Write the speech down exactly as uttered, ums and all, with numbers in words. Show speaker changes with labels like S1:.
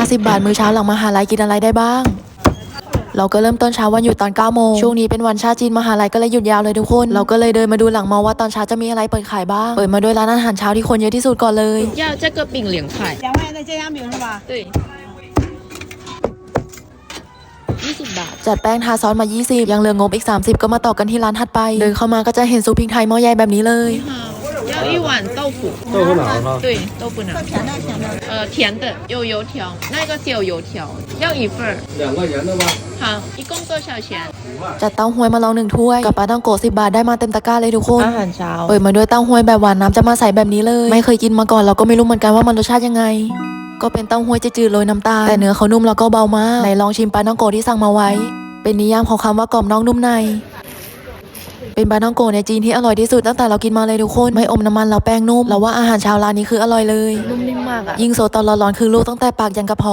S1: าสิบบาทมื้อเช้าหลังมหาลัยกินอะไรได้บ้างเราก็เริ่มต้นเช้าวันหยุดตอนเก้าโมงช่วงนี้เป็นวันชาติจีนมหาลัยก็เลยหยุดยาวเลยทุกคนเราก็เลยเดินมาดูหลังมอว่าตอนเช้าจะมีอะไรเปิดขายบ้างเปิดมาด้วยร้านอาหารเช้าที่คนเยอะที่สุดก่อนเลย
S2: 要这个饼两块
S3: 两块钱的煎香饼是吧？
S2: 对ยี่สิบบาท
S1: จัดแป้งทาซอสมายี่สิบยังเหลืองบอีกสามสิบก็มาต่อกันที่ร้านถัดไปเดินเข้ามาก็จะเห็นซุปพริกไทยหม้อใหญ่แบบนี้เลย
S2: 要一碗豆腐
S4: 豆腐脑吗？
S2: 对豆腐脑
S3: 甜的甜的。
S2: 呃甜的有油条那个是有油条要一份
S4: 两块钱的吗？
S2: 好一共多少钱
S1: จัดเต้าหวยมาลองหนึ่งถ้วยกับปลาต้องโกะสิบบาทได้มาเต็มตะกร้าเลยทุกคน
S2: อาหารเช้า
S1: เปิดมาด้วยเต้าหวยแบบหวานน้ำจะมาใสแบบนี้เลยไม่เคยกินมาก่อนเราก็ไม่รู้เหมือนกันว่ามันรสชาติยังไงก็เป็นเต้าหวยจืดๆโรยน้ำตาลแต่เนื้อเขานุ่มแล้วก็เบามากไหนลองชิมปลาต้องโกะที่สั่งมาไว้เป็นนิยามของคำว่ากรอบนอกนุ่มในเป็นปลาต้องโกะในจีนที่อร่อยที่สุดตั้งแต่เรากินมาเลยทุกคนไม่อมน้ำมันแล้วแป้งนุ่มเราว่าอาหารเช้าร้านนี้คืออร่อยเลย
S2: นุ่มนิ่มมากอะ
S1: ยิ่งโซตอนร้อนๆคือลูกตั้งแต่ปากยันกระเพาะ